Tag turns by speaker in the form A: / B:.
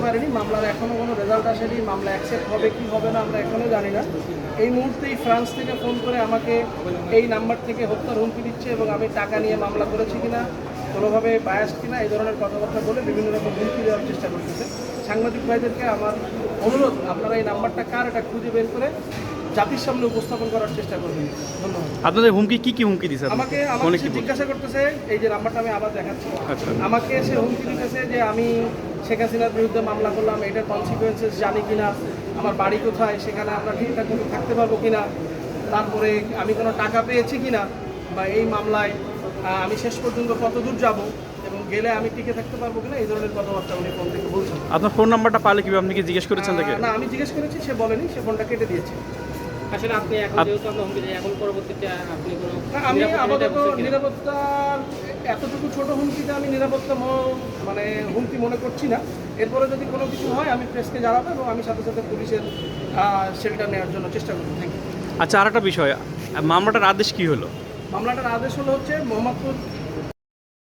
A: পারিনি, মামলার এখনও কোনো রেজাল্ট আসেনি, মামলা অ্যাকসেপ্ট হবে কি হবে না আমরা এখনও জানি না। এই মুহূর্তেই ফ্রান্স থেকে ফোন করে আমাকে এই নাম্বার থেকে হত্যার হুমকি দিচ্ছে এবং আমি টাকা নিয়ে মামলা করেছি কিনা, কোনোভাবে বায়াস কিনা, এই ধরনের কথাবার্তা বলে বিভিন্ন রকম হুমকি দেওয়ার চেষ্টা করতেছে। সাংবাদিক ভাইদেরকে আমার অনুরোধ, আপনারা এই নাম্বারটা কার এটা খুঁজে বের করে জাতির সামনে উপস্থাপন করার চেষ্টা করবেন। ধন্যবাদ।
B: আপনাদের হুমকি কি হুমকি দিছে?
A: আমাকে সে জিজ্ঞাসা করতেছে, এই যে নাম্বারটা আমি আবার দেখাচ্ছি,
B: আচ্ছা।
A: আমাকে সে হুমকি দিতেছে যে আমি শেখ হাসিনার বিরুদ্ধে মামলা করলাম, এটার কনসিকুয়েন্সেস জানি কিনা, আমার বাড়ি কোথায়, সেখানে আমরা ঠিকঠাক মতো থাকতে পারবো কিনা, তারপরে আমি কোনো টাকা পেয়েছি কিনা, বা এই মামলায় আমি শেষ পর্যন্ত কত দূর যাব এবং গেলে আমি টিকে থাকতে পারবো কিনা, এই ধরনের কথাবার্তা উনি ফোন থেকে বলছেন।
B: আপনার ফোন নাম্বারটা পালে কিভাবে, আপনি কি জিজ্ঞেস করেছেন তাকে?
A: না, আমি জিজ্ঞেস করেছি, সে বলেনি, সে ফোনটা কেটে দিয়েছে।
C: আসলে আপনি এখন যেহেতু আপনার হুমকি দেন, এখন পরবর্তীতে আপনি কোনো
A: আমি আপাতত নিরাপত্তার এতটুকু ছোট হুমকিতে আমি নিরাপত্তা মানে হুমকি মনে করছি না। এরপরে যদি কোনো কিছু হয় আমি প্রেসকে জানাবো এবং আমি সাথে সাথে পুলিশের শেল্টার নেওয়ার জন্য চেষ্টা করবো। Thank you.
B: আচ্ছা, আর একটা বিষয়, মামলাটার আদেশ কি হলো?
A: মামলাটার আদেশ হচ্ছে মোহাম্মদপুর